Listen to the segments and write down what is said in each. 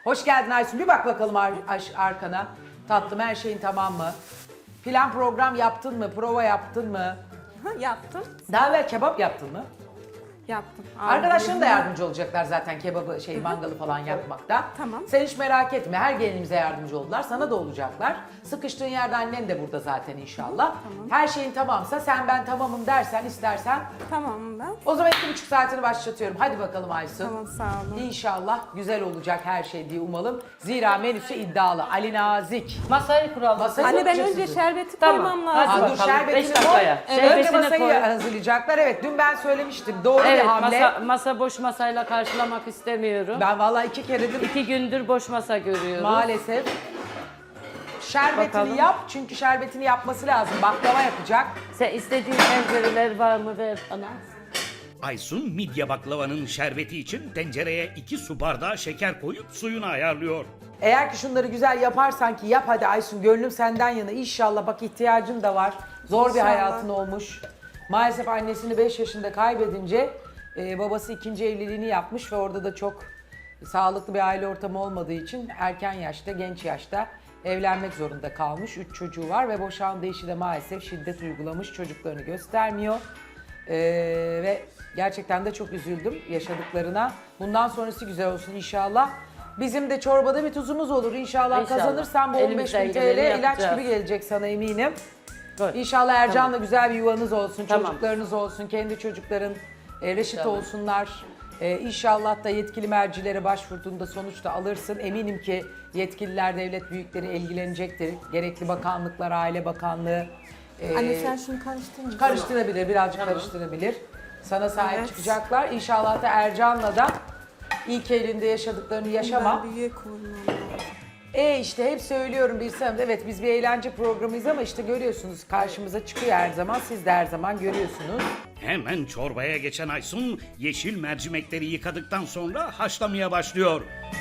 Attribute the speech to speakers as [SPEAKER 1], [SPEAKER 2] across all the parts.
[SPEAKER 1] Hoş geldin Aysun. Bir bak bakalım arkana. Tatlım, her şeyin tamam mı? Plan program yaptın mı? Prova yaptın mı?
[SPEAKER 2] Yaptım.
[SPEAKER 1] Daha evvel kebap yaptın mı?
[SPEAKER 2] Yaptım.
[SPEAKER 1] Arkadaşlarım da yardımcı olacaklar zaten kebabı, mangalı falan yapmakta.
[SPEAKER 2] Tamam.
[SPEAKER 1] Sen hiç merak etme. Her gelinimize yardımcı oldular. Sana da olacaklar. Sıkıştığın yerde annen de burada zaten inşallah.
[SPEAKER 2] Tamam.
[SPEAKER 1] Her şeyin tamamsa, sen ben tamamım dersen, istersen.
[SPEAKER 2] Tamam ben.
[SPEAKER 1] O zaman 2,5 saatini başlatıyorum. Hadi bakalım Aysun.
[SPEAKER 2] Tamam, sağ olun.
[SPEAKER 1] İnşallah güzel olacak her şey diye umalım. Zira menüsü iddialı. Ali Nazik.
[SPEAKER 3] Masayı kuralım.
[SPEAKER 1] Masayı
[SPEAKER 2] Anne ben
[SPEAKER 1] kuracaksın.
[SPEAKER 2] önce şerbeti
[SPEAKER 3] Tamam.
[SPEAKER 2] koymam
[SPEAKER 3] Hadi
[SPEAKER 2] lazım.
[SPEAKER 1] Aa, dur,
[SPEAKER 3] bakalım,
[SPEAKER 1] şerbetini
[SPEAKER 3] 5 dakikaya.
[SPEAKER 1] koy.
[SPEAKER 3] Şerbetini
[SPEAKER 1] Önce masayı
[SPEAKER 3] koy.
[SPEAKER 1] hazırlayacaklar. Evet, dün ben söylemiştim. Doğru
[SPEAKER 3] Evet,
[SPEAKER 1] bir hamle.
[SPEAKER 3] masa boş masayla karşılamak istemiyorum.
[SPEAKER 1] Ben vallahi 2 keredir
[SPEAKER 3] 2 gündür boş masa görüyorum.
[SPEAKER 1] maalesef. Şerbetini
[SPEAKER 3] Bakalım.
[SPEAKER 1] yap, çünkü şerbetini yapması lazım. Baklava yapacak.
[SPEAKER 3] Sen istediğin tencereler var mı ver bana.
[SPEAKER 4] Aysun midye baklavanın şerbeti için tencereye 2 su bardağı şeker koyup suyunu ayarlıyor.
[SPEAKER 1] Eğer ki şunları güzel yaparsan ki yap hadi Aysun, gönlüm senden yana. İnşallah, bak ihtiyacın da var. Zor bir
[SPEAKER 2] İnşallah.
[SPEAKER 1] hayatın olmuş. Maalesef annesini 5 yaşında kaybedince babası ikinci evliliğini yapmış ve orada da çok sağlıklı bir aile ortamı olmadığı için erken yaşta, genç yaşta evlenmek zorunda kalmış. 3 çocuğu var ve boşandığı eşi de maalesef şiddet uygulamış, çocuklarını göstermiyor. Ve gerçekten de çok üzüldüm yaşadıklarına. Bundan sonrası güzel olsun inşallah. Bizim de çorbada bir tuzumuz olur inşallah.
[SPEAKER 3] İnşallah.
[SPEAKER 1] Kazanırsan bu 15.000
[SPEAKER 3] Elimizden
[SPEAKER 1] TL
[SPEAKER 3] geleni
[SPEAKER 1] ilaç
[SPEAKER 3] yapacağız.
[SPEAKER 1] gibi gelecek sana eminim.
[SPEAKER 3] Koy.
[SPEAKER 1] İnşallah Ercan'la güzel bir yuvanız olsun,
[SPEAKER 3] Tamam.
[SPEAKER 1] çocuklarınız olsun, kendi çocukların reşit
[SPEAKER 3] İnşallah.
[SPEAKER 1] olsunlar. İnşallah da yetkili mercilere başvurduğunda sonuçta alırsın. Eminim ki yetkililer, devlet büyükleri ilgilenecektir. Gerekli bakanlıklar, Aile Bakanlığı.
[SPEAKER 2] Anne sen şunu karıştırma.
[SPEAKER 1] Karıştırabilir, birazcık karıştırabilir. Sana sahip
[SPEAKER 2] Evet.
[SPEAKER 1] çıkacaklar. İnşallah da Ercan'la da ilk elinde yaşadıklarını yaşama.
[SPEAKER 2] Ben büyüğe koymam lazım.
[SPEAKER 1] İşte hep söylüyorum bir sanat. Evet, biz bir eğlence programıyız ama işte görüyorsunuz karşımıza çıkıyor her zaman. Siz de her zaman görüyorsunuz.
[SPEAKER 4] Hemen çorbaya geçen Aysun yeşil mercimekleri yıkadıktan sonra haşlamaya başlıyor.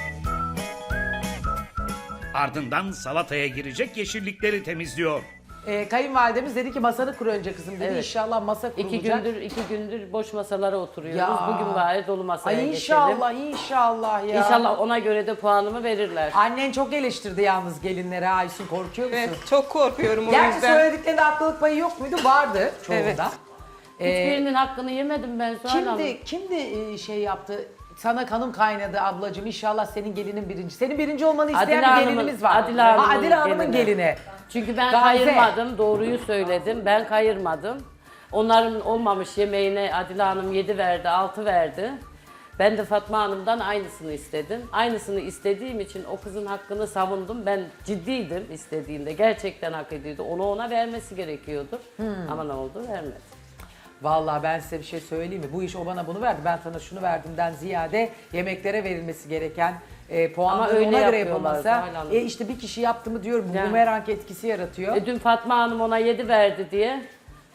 [SPEAKER 4] Ardından salataya girecek yeşillikleri temizliyor.
[SPEAKER 1] Kayınvalidemiz dedi ki masanı kur önce kızım dedi.
[SPEAKER 3] Evet.
[SPEAKER 1] İnşallah masa kurulacak.
[SPEAKER 3] 2 gündür boş masalara oturuyoruz.
[SPEAKER 1] Ya.
[SPEAKER 3] Bugün bari dolu masaya
[SPEAKER 1] Ay
[SPEAKER 3] geçelim.
[SPEAKER 1] inşallah, inşallah ya.
[SPEAKER 3] İnşallah ona göre de puanımı verirler.
[SPEAKER 1] Annen çok eleştirdi yalnız gelinlere. Aysun, korkuyor musun?
[SPEAKER 2] Evet çok korkuyorum o
[SPEAKER 1] Gerçi
[SPEAKER 2] yüzden.
[SPEAKER 1] söylediklerinde haklılık payı yok muydu? Vardı çoğunda.
[SPEAKER 2] Evet.
[SPEAKER 3] Hiçbirinin hakkını yemedim ben Zuhal Hanım.
[SPEAKER 1] Kimdi şey yaptı? Sana kanım kaynadı ablacığım. İnşallah senin gelinin birinci. Senin birinci olmanı isteyen
[SPEAKER 3] Adile
[SPEAKER 1] bir
[SPEAKER 3] Hanım'ın-
[SPEAKER 1] gelinimiz var.
[SPEAKER 3] Adile Hanım'ın
[SPEAKER 1] Adile Hanım'ın
[SPEAKER 3] gelini.
[SPEAKER 1] gelini.
[SPEAKER 3] Çünkü ben
[SPEAKER 1] Gamze.
[SPEAKER 3] kayırmadım, doğruyu söyledim. Ben kayırmadım. Onların olmamış yemeğine Adile Hanım 7 verdi, 6 verdi. Ben de Fatma Hanım'dan aynısını istedim. Aynısını istediğim için o kızın hakkını savundum. Ben ciddiydim istediğimde. Gerçekten hak ediyordu. Onu ona vermesi gerekiyordu. Ama ne oldu? Vermedi.
[SPEAKER 1] Vallahi ben size bir şey söyleyeyim mi? Bu iş o bana bunu verdi, ben sana şunu verdimden ziyade yemeklere verilmesi gereken
[SPEAKER 3] Ama
[SPEAKER 1] puanları
[SPEAKER 3] öyle
[SPEAKER 1] ona göre
[SPEAKER 3] yapıyorlar
[SPEAKER 1] yapılmasa.
[SPEAKER 3] Zuhal Hanım.
[SPEAKER 1] İşte bir kişi yaptı mı diyorum, bu
[SPEAKER 3] Yani.
[SPEAKER 1] bumerang etkisi yaratıyor.
[SPEAKER 3] Dün Fatma Hanım ona 7 verdi diye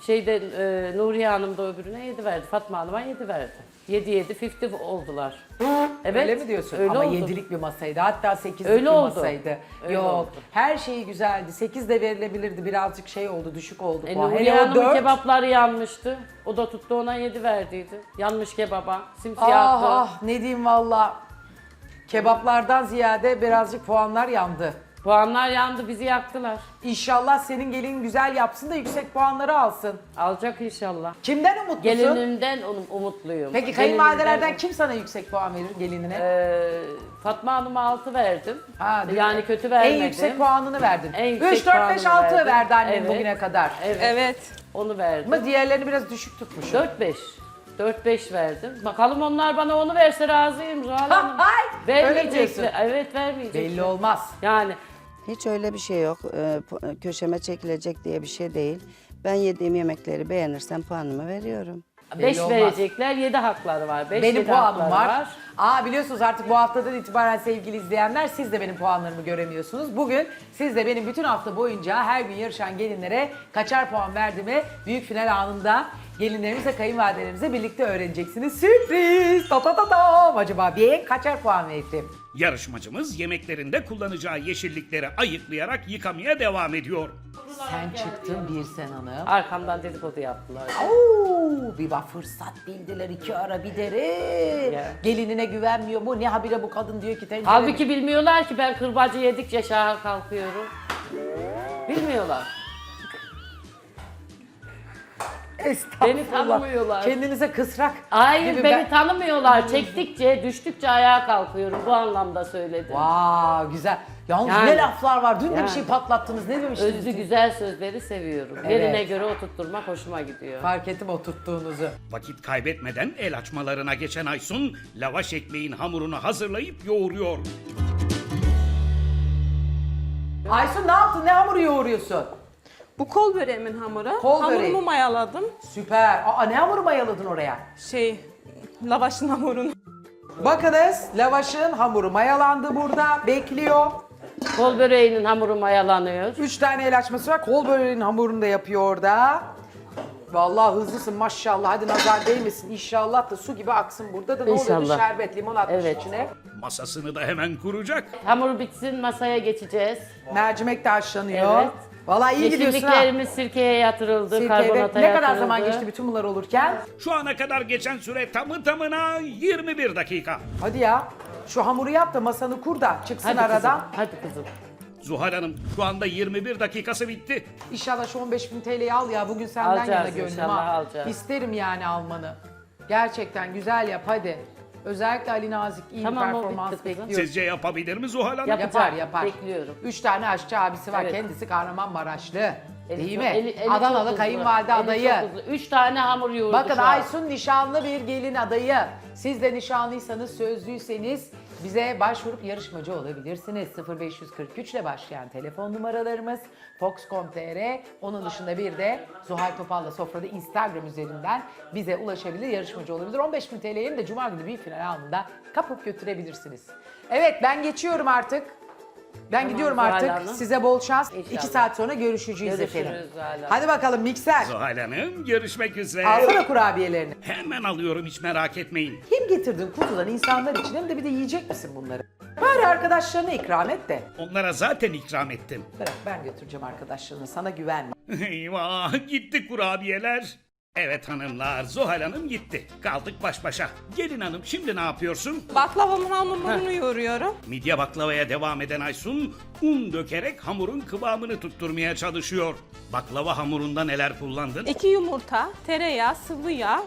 [SPEAKER 3] Nuriye Hanım da öbürüne 7 verdi. Fatma Hanım'a 7 verdi. 7 50 oldular. Evet.
[SPEAKER 1] Öyle mi diyorsun?
[SPEAKER 3] Öyle
[SPEAKER 1] Ama
[SPEAKER 3] oldu.
[SPEAKER 1] 7'lik bir masaydı. Hatta 8'lik
[SPEAKER 3] Öyle
[SPEAKER 1] bir
[SPEAKER 3] oldu.
[SPEAKER 1] masaydı.
[SPEAKER 3] Öyle
[SPEAKER 1] Yok.
[SPEAKER 3] oldu.
[SPEAKER 1] Her şeyi güzeldi. 8 de verilebilirdi. Birazcık şey oldu, düşük oldu puan.
[SPEAKER 3] Nuriye
[SPEAKER 1] Hele o
[SPEAKER 3] Hanım'ın
[SPEAKER 1] 4.
[SPEAKER 3] kebapları yanmıştı. O da tuttu ona 7 verdiydi. Yanmış kebaba.
[SPEAKER 1] Ah
[SPEAKER 3] Simsiyahtı.
[SPEAKER 1] ah, ne diyeyim valla. Kebaplardan ziyade birazcık puanlar yandı.
[SPEAKER 3] Puanlar yandı, bizi yaktılar.
[SPEAKER 1] İnşallah senin gelin güzel yapsın da yüksek puanları alsın.
[SPEAKER 3] Alacak inşallah.
[SPEAKER 1] Kimden umutlusun?
[SPEAKER 3] Gelinimden umutluyum.
[SPEAKER 1] Peki
[SPEAKER 3] Gelinimden-
[SPEAKER 1] kayınvalidelerden kim sana yüksek puan verir gelinine?
[SPEAKER 3] Fatma Hanım'a 6 verdim.
[SPEAKER 1] Ha,
[SPEAKER 3] Yani kötü vermedim.
[SPEAKER 1] En yüksek puanını verdin.
[SPEAKER 3] En
[SPEAKER 1] 3,
[SPEAKER 3] yüksek
[SPEAKER 1] 4, 5,
[SPEAKER 3] puanını
[SPEAKER 1] 6
[SPEAKER 3] verdim.
[SPEAKER 1] verdi annen
[SPEAKER 3] Evet.
[SPEAKER 1] bugüne kadar.
[SPEAKER 3] Evet.
[SPEAKER 2] Evet.
[SPEAKER 3] Onu verdim.
[SPEAKER 1] Ama diğerlerini biraz düşük tutmuşsun.
[SPEAKER 3] 4-5. 4-5 verdim. Bakalım onlar bana onu verse razıyım Zuhal Hanım.
[SPEAKER 1] Hay! Öyle diyorsun.
[SPEAKER 3] Vermeyecekler. Evet vermeyecekler.
[SPEAKER 1] Belli olmaz.
[SPEAKER 3] Yani
[SPEAKER 5] Hiç öyle bir şey yok. Köşeme çekilecek diye bir şey değil. Ben yediğim yemekleri beğenirsem puanımı veriyorum.
[SPEAKER 3] 5
[SPEAKER 1] olmaz.
[SPEAKER 3] verecekler, 7 hakları var. 5
[SPEAKER 1] Benim puanım var. Biliyorsunuz artık bu haftadan itibaren sevgili izleyenler, siz de benim puanlarımı göremiyorsunuz. Bugün siz de benim bütün hafta boyunca her gün yarışan gelinlere kaçar puan verdiğimi büyük final anında gelinlerimizle, kayınvalidelerimize birlikte öğreneceksiniz. Sürpriz! Ta ta ta ta! Acaba ben kaçar puan verdim?
[SPEAKER 4] Yarışmacımız yemeklerinde kullanacağı yeşillikleri ayıklayarak yıkamaya devam ediyor.
[SPEAKER 1] Sen çıktın Birsen Hanım.
[SPEAKER 3] Arkamdan dedikodu yaptılar.
[SPEAKER 1] Oo, bir bak fırsat bildiler iki ara bir deri.
[SPEAKER 3] Ya.
[SPEAKER 1] Gelinine güvenmiyor mu? Ne habire bu kadın diyor ki tencere.
[SPEAKER 3] Halbuki bilmiyorlar ki ben kırbacı yedikçe şaha kalkıyorum. Bilmiyorlar.
[SPEAKER 1] Estağfurullah.
[SPEAKER 3] Beni tanımıyorlar.
[SPEAKER 1] Kendinize kısrak.
[SPEAKER 3] Hayır
[SPEAKER 1] gibi
[SPEAKER 3] beni tanımıyorlar. Çektikçe, düştükçe ayağa kalkıyorum. Bu anlamda söyledim.
[SPEAKER 1] Vay güzel. Yalnız
[SPEAKER 3] Yani.
[SPEAKER 1] ne laflar var. Dün de bir
[SPEAKER 3] Yani.
[SPEAKER 1] şey patlattınız. Ne demiştiniz?
[SPEAKER 3] Özlü güzel sözleri seviyorum.
[SPEAKER 1] Evet.
[SPEAKER 3] Yerine göre oturtturmak hoşuma gidiyor.
[SPEAKER 1] Fark ettim oturttuğunuzu.
[SPEAKER 4] Vakit kaybetmeden el açmalarına geçen Aysun, lavaş ekmeğin hamurunu hazırlayıp yoğuruyor.
[SPEAKER 1] Aysun ne yaptın? Ne hamuru yoğuruyorsun?
[SPEAKER 2] Bu kol böreğimin hamuru.
[SPEAKER 1] Kol
[SPEAKER 2] Hamurumu
[SPEAKER 1] böreği.
[SPEAKER 2] mayaladım.
[SPEAKER 1] Süper. Aa ne hamuru mayaladın oraya?
[SPEAKER 2] Lavaşın hamurunu.
[SPEAKER 1] Bakınız lavaşın hamuru mayalandı burada. Bekliyor.
[SPEAKER 3] Kol böreğinin hamuru mayalanıyor.
[SPEAKER 1] 3 tane el açması var. Kol böreğinin hamurunu da yapıyor orada. Vallahi hızlısın maşallah. Hadi nazar değmesin. İnşallah da su gibi aksın burada da. Ne oluyordu?
[SPEAKER 3] İnşallah.
[SPEAKER 1] Şerbet, limon atmış
[SPEAKER 3] Evet.
[SPEAKER 1] içine.
[SPEAKER 4] Masasını da hemen kuracak.
[SPEAKER 3] Hamur bitsin masaya geçeceğiz.
[SPEAKER 1] Mercimek de haşlanıyor.
[SPEAKER 3] Evet.
[SPEAKER 1] Vallahi iyi gidiyorsun ha.
[SPEAKER 3] Yeşilliklerimiz sirkeye yatırıldı,
[SPEAKER 1] Sirke,
[SPEAKER 3] karbonata
[SPEAKER 1] evet. Ne
[SPEAKER 3] yatırıldı.
[SPEAKER 1] kadar zaman geçti bütün bunlar olurken?
[SPEAKER 4] Şu ana kadar geçen süre tamı tamına 21 dakika.
[SPEAKER 1] Hadi ya. Şu hamuru yap da masanı kur da çıksın
[SPEAKER 3] Hadi
[SPEAKER 1] aradan.
[SPEAKER 3] kızım, hadi kızım.
[SPEAKER 4] Zuhal Hanım şu anda 21 dakikası bitti.
[SPEAKER 1] İnşallah şu 15.000 TL'yi al ya. Bugün senden
[SPEAKER 3] Alacağız
[SPEAKER 1] yana gönlüm
[SPEAKER 3] inşallah,
[SPEAKER 1] ha.
[SPEAKER 3] alacağız.
[SPEAKER 1] İsterim yani almanı. Gerçekten güzel yap hadi. Özellikle Ali Nazik iyi
[SPEAKER 3] Tamam,
[SPEAKER 1] bir
[SPEAKER 3] o
[SPEAKER 1] performans
[SPEAKER 3] bitti kızım.
[SPEAKER 1] bekliyoruz.
[SPEAKER 4] Sizce yapabilir mi Zuhal Hanım?
[SPEAKER 3] Yapacak,
[SPEAKER 1] Yapar.
[SPEAKER 3] bekliyorum.
[SPEAKER 1] 3 tane aşçı abisi var.
[SPEAKER 3] Evet.
[SPEAKER 1] Kendisi Kahramanmaraşlı.
[SPEAKER 3] Eli
[SPEAKER 1] Değil
[SPEAKER 3] çok-
[SPEAKER 1] mi?
[SPEAKER 3] eli
[SPEAKER 1] Adanalı
[SPEAKER 3] çok hızlı.
[SPEAKER 1] kayınvalide
[SPEAKER 3] Eli
[SPEAKER 1] adayı.
[SPEAKER 3] çok hızlı. 3 tane hamur yoğurdu
[SPEAKER 1] Bakın
[SPEAKER 3] şu an.
[SPEAKER 1] Aysun nişanlı bir gelin adayı. Siz de nişanlıysanız, sözlüyseniz bize başvurup yarışmacı olabilirsiniz. 0543 ile başlayan telefon numaralarımız, Fox.com.tr. Onun dışında bir de Zuhal Topal'la Sofra'da Instagram üzerinden bize ulaşabilir, yarışmacı olabilir. 15.000 TL'yi de Cuma günü bir final anında kapıp götürebilirsiniz. Evet ben geçiyorum artık. Ben
[SPEAKER 3] Tamam,
[SPEAKER 1] gidiyorum
[SPEAKER 3] Zuhal
[SPEAKER 1] artık.
[SPEAKER 3] Hanım.
[SPEAKER 1] Size bol şans.
[SPEAKER 3] İnşallah.
[SPEAKER 1] 2 saat sonra görüşeceğiz
[SPEAKER 3] Görüşürüz
[SPEAKER 1] efendim.
[SPEAKER 3] Zuhal Hanım.
[SPEAKER 1] Hadi bakalım mikser.
[SPEAKER 4] Zuhal Hanım görüşmek üzere.
[SPEAKER 1] Alsana kurabiyelerini.
[SPEAKER 4] Hemen alıyorum hiç merak etmeyin.
[SPEAKER 1] Hem getirdin kutudan insanlar için hem de bir de yiyecek misin bunları? Bari arkadaşlarına ikram et de.
[SPEAKER 4] Onlara zaten ikram ettim.
[SPEAKER 1] Bırak ben götüreceğim arkadaşlarına sana güvenme.
[SPEAKER 4] Eyvah gitti kurabiyeler. Evet hanımlar Zuhal Hanım gitti. Kaldık baş başa. Gelin hanım şimdi ne yapıyorsun?
[SPEAKER 2] Baklavamın hamurunu yoğuruyorum.
[SPEAKER 4] Midye baklavaya devam eden Aysun un dökerek hamurun kıvamını tutturmaya çalışıyor. Baklava hamurunda neler kullandın?
[SPEAKER 2] 2 yumurta, tereyağı, sıvı yağ,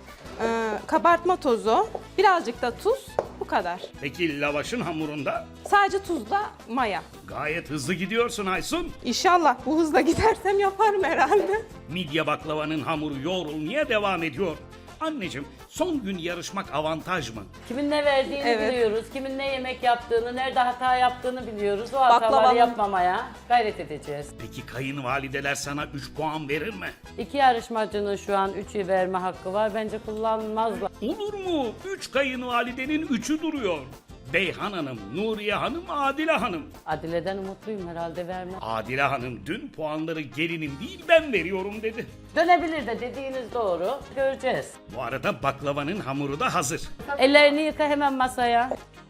[SPEAKER 2] kabartma tozu, birazcık da tuz. Bu kadar.
[SPEAKER 4] Peki lavaşın hamurunda?
[SPEAKER 2] Sadece tuzla maya.
[SPEAKER 4] Gayet hızlı gidiyorsun Aysun.
[SPEAKER 2] İnşallah bu hızla gidersem yaparım herhalde.
[SPEAKER 4] Midye baklavanın hamuru yoğrulmaya devam ediyor. Anneciğim son gün yarışmak avantaj mı?
[SPEAKER 3] Kimin ne verdiğini
[SPEAKER 2] Evet.
[SPEAKER 3] biliyoruz, kimin ne yemek yaptığını, nerede hata yaptığını biliyoruz. O hataları
[SPEAKER 2] Baklavanın-
[SPEAKER 3] yapmamaya gayret edeceğiz.
[SPEAKER 4] Peki kayınvalideler sana 3 puan verir mi?
[SPEAKER 3] 2 yarışmacının şu an 3'ü verme hakkı var. Bence kullanmazlar.
[SPEAKER 4] Olur mu? 3 kayınvalidenin 3'ü duruyor. Beyhan Hanım, Nuriye Hanım, Adile Hanım.
[SPEAKER 3] Adile'den umutluyum herhalde vermem.
[SPEAKER 4] Adile Hanım dün puanları gelinim değil ben veriyorum dedi.
[SPEAKER 3] Dönebilir de dediğiniz doğru. Göreceğiz.
[SPEAKER 4] Bu arada baklavanın hamuru da hazır.
[SPEAKER 3] Ellerini yıka hemen masaya.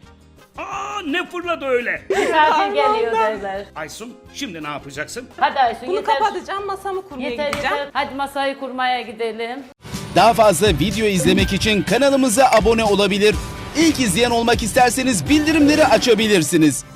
[SPEAKER 4] Aa ne fırladı öyle?
[SPEAKER 3] Misafir geliyor derler.
[SPEAKER 4] Aysun şimdi ne yapacaksın?
[SPEAKER 3] Hadi Aysun
[SPEAKER 2] Bunu
[SPEAKER 3] yeter.
[SPEAKER 2] kapatacağım, masamı kurmaya
[SPEAKER 3] Yeter
[SPEAKER 2] gideceğim.
[SPEAKER 3] yeter. Hadi masayı kurmaya gidelim.
[SPEAKER 6] Daha fazla video izlemek için kanalımıza abone olabilir. İlk izleyen olmak isterseniz bildirimleri açabilirsiniz.